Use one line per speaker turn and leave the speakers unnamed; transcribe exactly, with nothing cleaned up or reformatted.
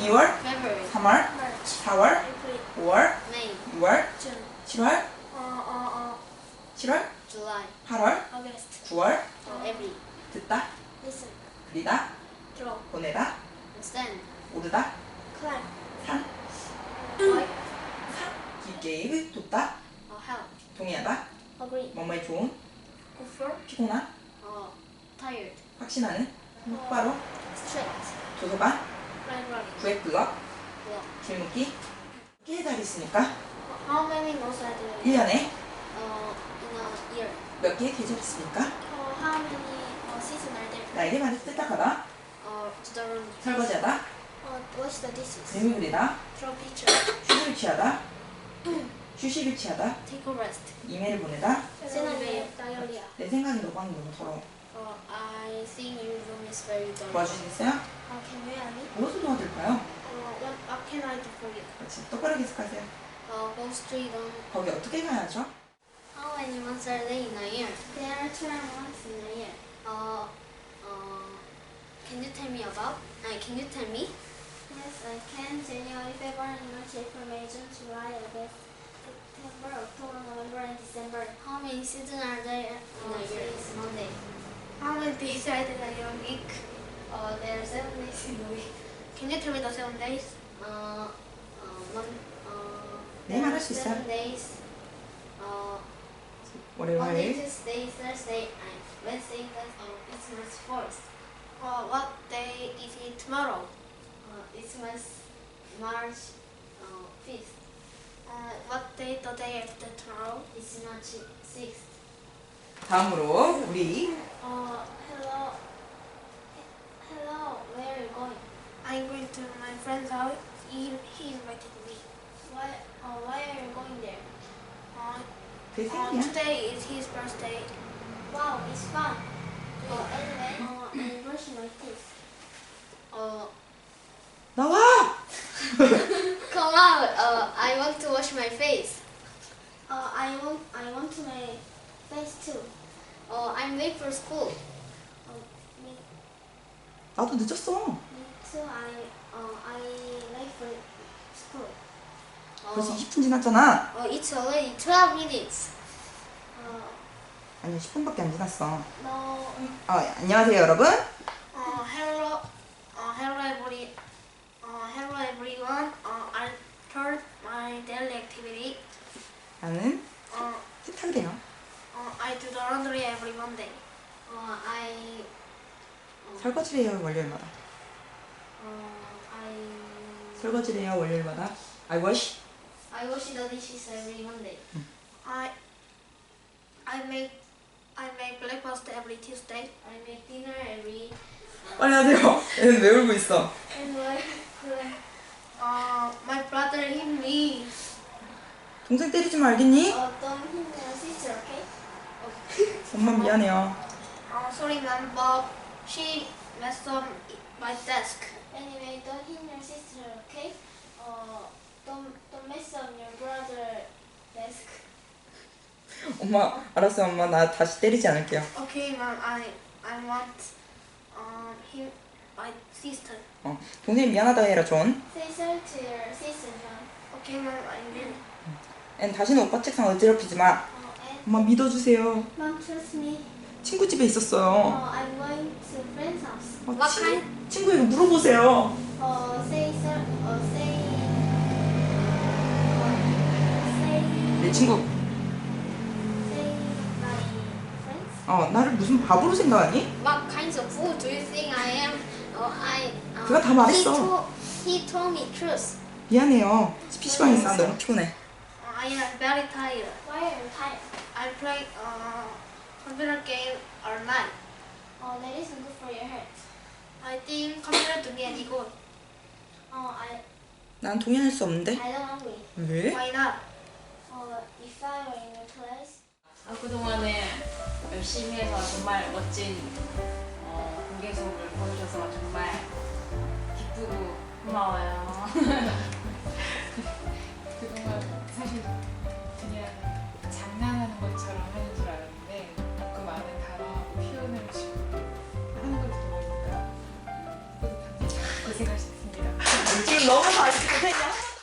이월,
February,
삼월,
March,
사월,
April,
오월,
May,
유월,
June,
칠월,
uh, uh, uh,
칠월,
July,
팔월,
August,
구월.
uh, every,
듣다,
listen,
그리다,
draw,
보내다,
understand,
오르다,
climb,
산,
like,
기계의 돕다,
uh, help,
동의하다,
agree,
뭐뭐에 좋은,
prefer,
피곤한,
uh, tired,
확신하는, 똑바로,
strict,
도서관,
library,
구획블럭,
block.
길목기. 몇 개의 달이 있으니까
How many months are there?
일 년에
Uh, in a year.
몇 개의 계절이 있습니까?
Uh, how many uh, seasons are there?
날개 말을 뜯다가다,
Uh, to the room.
설거지하다,
Uh, wash the dishes.
그림을 그리다,
Draw picture.
휴식을 취하다, 휴식을 취하다,
Take a rest.
이메일을 보내다.
Send an email. Diarrhea.
내 생각이 너무 너무 더러워.
Uh, I think your room is very dirty.
도와주시겠어요?
Uh, can you help me?
무엇을 도와드릴까요?
Uh, what, what can I do for you?
그렇지. 똑바로 기억하세요.
Uh, go straight on.
거기 어떻게 가야죠?
How many months are there in a year? There are twelve months in a year. Uh, uh, can you tell me about? Uh, can you tell me? Yes, I can. January, February, March, April, May, June, July, August, September, October, November, and December. How many seasons are there in a year? It's Monday. How many days are there in a week? Uh, there are seven days in a week. Can you tell me the seven days? Uh, uh, mon, uh,
네, 말할 수 있어요.
seven days. Uh,
월요일,
Monday,
화요일.
Tuesday, Thursday, and Wednesday, Thursday. Oh, it's March fourth. Uh, what day is it tomorrow? Uh, it's March, March uh, fifth. Uh, what day the day after tomorrow? It's March sixth.
다음으로 우리
Uh, hello. Hello, where are you going? I'm going to my friend's house. He, he invited me. Why, uh, why are you going there? Uh,
그
Uh,
생일이야.
today is his birthday. Wow, it's fun. Uh, anyway, uh, I'm brushing my teeth. Uh,
나와!
come out. Uh, I want to wash my face. Uh, I want, I want to my face too. Uh, I'm late for school. Uh, me,
나도 늦었어.
me too. I, uh, I late for school.
벌써
Uh,
이십 분 지났잖아.
uh, it's already twelve minutes. Uh,
아니 십 분밖에 안 지났어.
no.
아, 안녕하세요 여러분.
Uh, hello, uh, hello every, uh, hello everyone. Uh, I start my daily activity.
나는
Uh,
세탁을 해요.
uh, I do the laundry every Monday. Uh, I, uh,
설거지를 해요 월요일마다.
uh, I,
설거지를 해요 월요일마다. I wash.
I wash the dishes every Monday. I, I make, I make breakfast every Tuesday. I make dinner every.
빨리 하세요. 얘는 왜 울고 있어?
And like, uh, my brother hit me.
동생 때리지 말겠니?
Uh, don't hit my sister, okay?
엄마 미안해요.
Oh, sorry, ma'am, but she messed up my desk. Anyway, don't hit your sister, okay? Uh, don't don't mess up your brother desk.
엄마 알았어 엄마 나 다시 때리지 않을게요.
Okay, ma'am, I I want um him my sister.
어, 동생 미안하다 해라 존.
Say sorry to your sister, John. Okay, ma'am, I will.
앤 다시는 오빠 책상 어지럽히지 마.
Uh, and
엄마 믿어주세요.
mom, trust me.
친구 집에 있었어요.
Uh, I'm going to friend's house.
어,
What
친구,
kind?
친구에게 물어보세요.
Uh, say sir. Uh, say. Uh, say.
내 친구
Say my friends.
어 나를 무슨 바보로 생각하니?
What kinds of fool do you think I am? Oh, I. Uh,
그가 다 말했어.
He told, he told me truth.
미안해요. 피시방에 있어. 너무 피곤해.
I am very tired. Why are you tired? I play uh, computer game all night. Oh, that isn't good for your health. I think computer to me is good. Oh, I.
난 동의할 수 없는데.
I don't agree.
왜?
Why not? Uh, if I were in your class.
아, 그동안에 열심히 해서 정말 멋진 어, 공개 수업을 보여줘서 정말 기쁘고 고마워요.
그동안 사실 그냥 장난하는 것처럼 하는 줄 알았는데 그 많은 단어하고 표현을 지금 하는 걸 들어보니까 뿌듯합니다. 고생하셨습니다.
너무 다시 고생이 한